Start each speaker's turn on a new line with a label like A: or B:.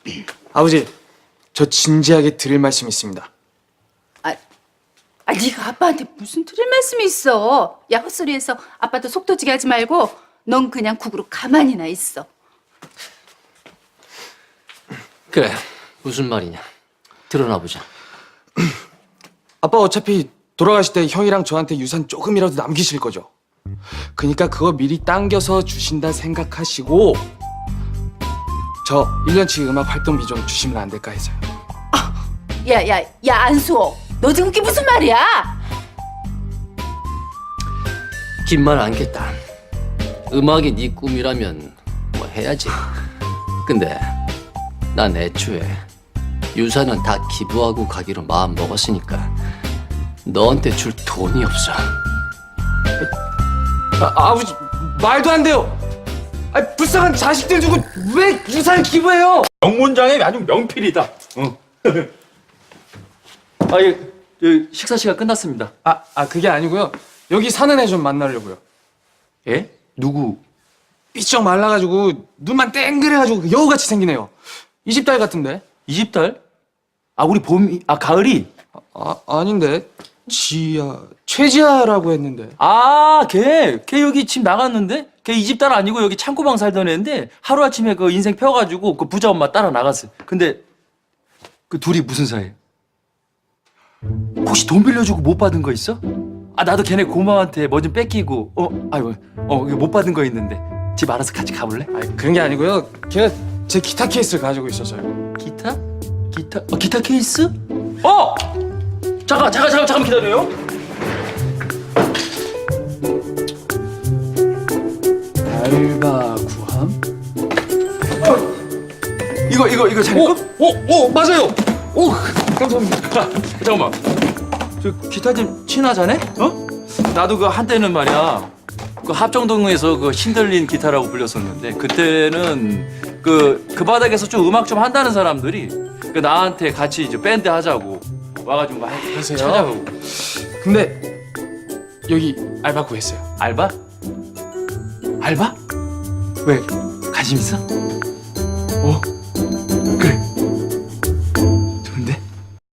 A: 아버지, 저 진지하게 드릴 말씀이 있습니다.
B: 네가 아빠한테 무슨 드릴 말씀이 있어? 야, 헛소리해서 아빠도 속 터지게 하지 말고 넌 그냥 국으로 가만히나 있어.
C: 그래, 무슨 말이냐? 드러나 보자.
A: 아빠 어차피 돌아가실 때 형이랑 저한테 유산 조금이라도 남기실 거죠. 그러니까 그거 미리 당겨서 주신다 생각하시고 저 1년치 음악 활동비 좀 주시면 안 될까 해서요.
B: 야, 안수호. 너 지금 그게 무슨 말이야?
C: 긴 말 안겠다. 음악이 네 꿈이라면 뭐 해야지. 근데 난 애초에 유산은 다 기부하고 가기로 마음 먹었으니까 너한테 줄 돈이 없어.
A: 아버지 말도 안 돼요. 불쌍한 자식들 두고 왜 유산을 기부해요?
D: 명문장의 아주 명필이다. 식사 시간 끝났습니다.
A: 그게 아니고요. 여기 사는 애 좀 만나려고요.
D: 예? 누구?
A: 삐쩍 말라가지고 눈만 땡그래가지고 여우같이 생기네요. 이 집 딸 같은데?
D: 이 집 딸? 우리 가을이?
A: 아닌데. 최지아라고 했는데.
D: 걔 여기 집 나갔는데? 걔 이 집 딸 아니고 여기 창고방 살던 애인데 하루아침에 그 인생 펴가지고 그 부자 엄마 따라 나갔어. 근데 그 둘이 무슨 사이야? 혹시 돈 빌려주고 못 받은 거 있어? 나도 걔네 고모한테 뭐 좀 뺏기고 이거 못 받은 거 있는데 집 알아서 같이 가볼래?
A: 그런 게 아니고요. 걔가 제 기타 케이스를 가지고 있어서요.
D: 기타 케이스? 잠깐 기다려요. 알바 구함? 이거 자네 거?
A: 맞아요. 감사합니다.
D: 잠깐만. 저 기타 좀 치나 자네? 나도 그 한때는 말이야. 그 합정동에서 그 신들린 기타라고 불렸었는데 그때는 그 바닥에서 좀 음악 좀 한다는 사람들이 그 나한테 같이 이제 밴드 하자고 와가지고 막
A: 그러세요?
D: 찾아가고.
A: 근데 여기 알바 구했어요.
D: 알바? 알바? 왜? 관심 있어?